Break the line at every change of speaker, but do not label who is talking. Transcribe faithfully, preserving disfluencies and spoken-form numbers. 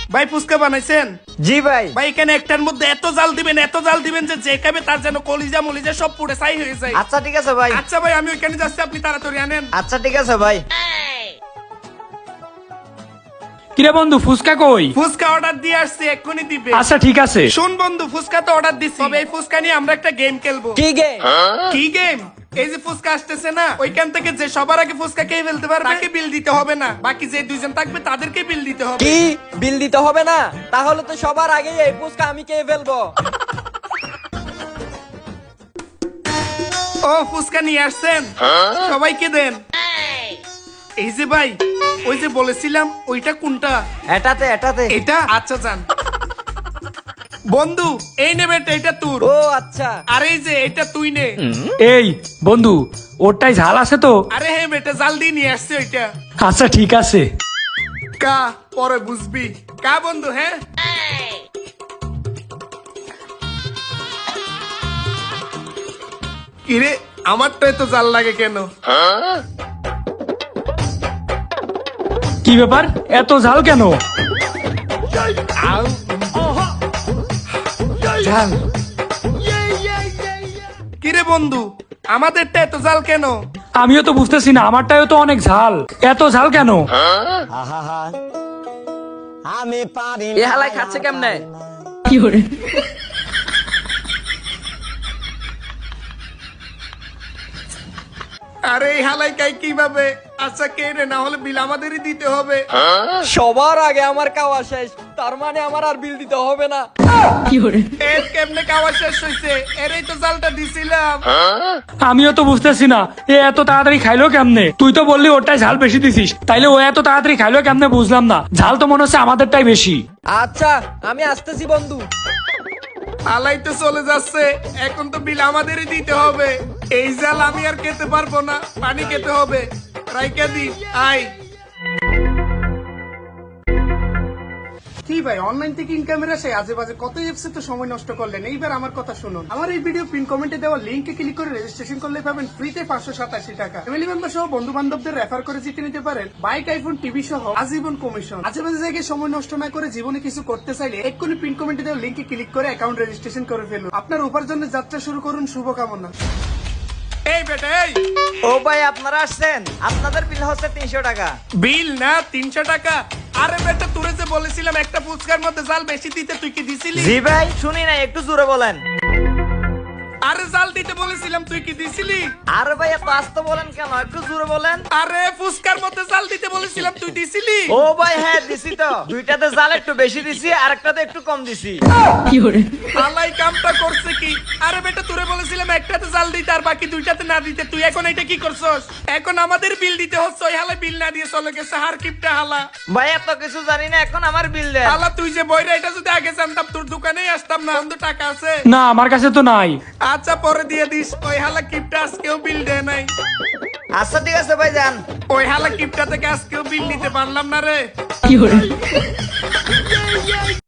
ভাই ফুচকা বানাইছেন?
জি ভাই।
ভাই এখানে একটার মধ্যে এত জাল দিবেন এত জাল দিবেন যে যে খাবে তার যেন কলিজা মলিজা সব পুড়ে ছাই হয়ে যায়।
আচ্ছা ঠিক আছে ভাই।
আচ্ছা ভাই আমি ওইখানে যাচ্ছি, আপনি তাড়াতাড়ি আনেন।
আচ্ছা ঠিক আছে ভাই।
কিরে বন্ধু ফুচকা কই?
ফুচকা অর্ডার দিয়ে আসছি, এক্ষুনি দিবে।
আচ্ছা ঠিক আছে।
শুন বন্ধু, ফুচকা তো অর্ডার দিছি, তবে এই ফুচকা নিয়ে আমরা একটা গেম খেলবো।
কি গেম?
কি গেম? এই যে ফুচকা আসতেছে না, ওইখান থেকে যে সবার আগে ফুচকা খেয়ে ফেলতে পারবে তাকে বিল দিতে হবে না, বাকি যে দুইজন থাকবে তাদেরকে বিল দিতে হবে।
কি বিল দিতে হবে না? তাহলে তো সবার আগে এই ফুচকা আমি খেয়ে ফেলবো।
ও ফুচকা নিয়ে আসছেন, সবাইকে দেন। এই যে ভাই, ওই যে বলেছিলাম ওইটা কোনটা?
এটাতে এটাতে।
এটা? আচ্ছা যান। বন্ধু এই নে বেটা, এটা তোর।
ও আচ্ছা।
আর এই যে এটা তুই নে।
এই বন্ধু ওরটাই ঝাল আছে তো?
আরে হে বেটা, জাল দিয়ে নিয়ে আসছে ওইটা।
আচ্ছা ঠিক আছে।
কা পরে বুঝবি কা বন্ধু। হ্যাঁ কিরে, আমারটাই তো জাল লাগে কেন?
কি ব্যাপার, এত ঝাল কেন?
জাল। কিরে বন্ধু, আমাদেরটা এত জাল কেন?
আমিও তো বুঝতেছি না, আমারটাও তো অনেক ঝাল, এত ঝাল কেন?
আমি পারি। এ হালাই খাচ্ছে কেমনে?
আরে এই হালাই খাই কিভাবে? আচ্ছা কে রে, না হলে বিল আমাদেরই দিতে হবে।
সবার আগে আমার খাওয়া শেষ, তার মানে আমার আর বিল দিতে হবে না।
এর কেমনে খাওয়া শেষ হয়েছে? এরই তো জালটা দিছিলাম।
আমিও তো বুঝতেছি না, এ এত তাড়াতাড়ি খাইলো কেমনে? তুই তো বললি ওরটাই ঝাল বেশি দিছিস, তাইলে ও এত তাড়াতাড়ি খাইলো কেমনে বুঝলাম না। ঝাল তো মনে হচ্ছে আমাদেরটাই বেশি।
আচ্ছা আমি আসতেছি বন্ধু।
আলাই তো চলে যাচ্ছে, এখন তো বিল আমাদেরই দিতে হবে। এই জাল আমি আর খেতে পারবো না, পানি খেতে হবে। রাইকা দি আই। কি ভাই, অনলাইন থেকে ইনকামের আসে আজে বাজে কত এপসে তো সময় নষ্ট করলেন। এইবার আমার কথা শুনুন, আমার এই ভিডিও পিন কমেন্টে দেওয়া লিঙ্কে ক্লিক করে রেজিস্ট্রেশন করলে পাবেন ফ্রিতে পাঁচশো সাতাশি টাকা। ফ্যামিলি মেম্বার সহ বন্ধু বান্ধবদের রেফার করে জিতে নিতে পারেন বাইক, আইফোন, টিভি সহ আজীবন কমিশন। আজে বাজে জায়গায় সময় নষ্ট না করে জীবনে কিছু করতে চাইলে এক্ষুনি পিন কমেন্টে দেওয়া লিঙ্কে ক্লিক করে অ্যাকাউন্ট রেজিস্ট্রেশন করে ফেলুন। আপনার উপার্জনের যাত্রা শুরু করুন, শুভকামনা। এই বেটা এই,
ও ভাই আপনারা আসছেন, আপনাদের বিল হচ্ছে তিনশো টাকা।
বিল না তিনশো টাকা? আরে বেটা তোরে যে বলেছিলাম একটা ফুচকার মধ্যে জাল বেশি দিতে, তুই কি দিছিলি?
জি ভাই শুনি না, একটু জোরে বলেন।
আরে জাল দিতে বলেছিলাম, তুই কি দিছিলি?
আরে ভাই এত আস্তে বলেন কেন, একটু জোরে বলেন।
আরে ফুচকার মধ্যে জাল দিতে বলেছিলাম, তুই দিছিলি?
ও ভাই হ্যাঁ দিছি তো, দুইটাতে জাল একটু বেশি দিছি আর একটাতে একটু কম দিছি।
আলাই কামটা করছে কি? আরে বেটা তোরে বলেছিলাম একটাতে জাল দিতে আর বাকি দুইটাতে না দিতে, তুই এখন এটা কি করছস? এখন আমাদের বিল দিতে হচ্ছে, ওই হালা বিল না দিয়ে চলে গেছে। হার কিপটা হালা।
ভাই এত কিছু জানি না, এখন আমার বিল দেন।
হালা তুই যে বইরা, এটা যদি আগে জানতাম তোর দোকানেই আসতাম না। বন্ধু টাকা আছে?
না আমার কাছে তো নাই।
আচ্ছা পরে দিয়ে দিস। ওই হালা কিপটা আজকেও বিল দেয় নাই।
আচ্ছা ঠিক আছে ভাই যান।
ওই হালা কিপটা থেকে আজকেও বিল নিতে পারলাম না রে।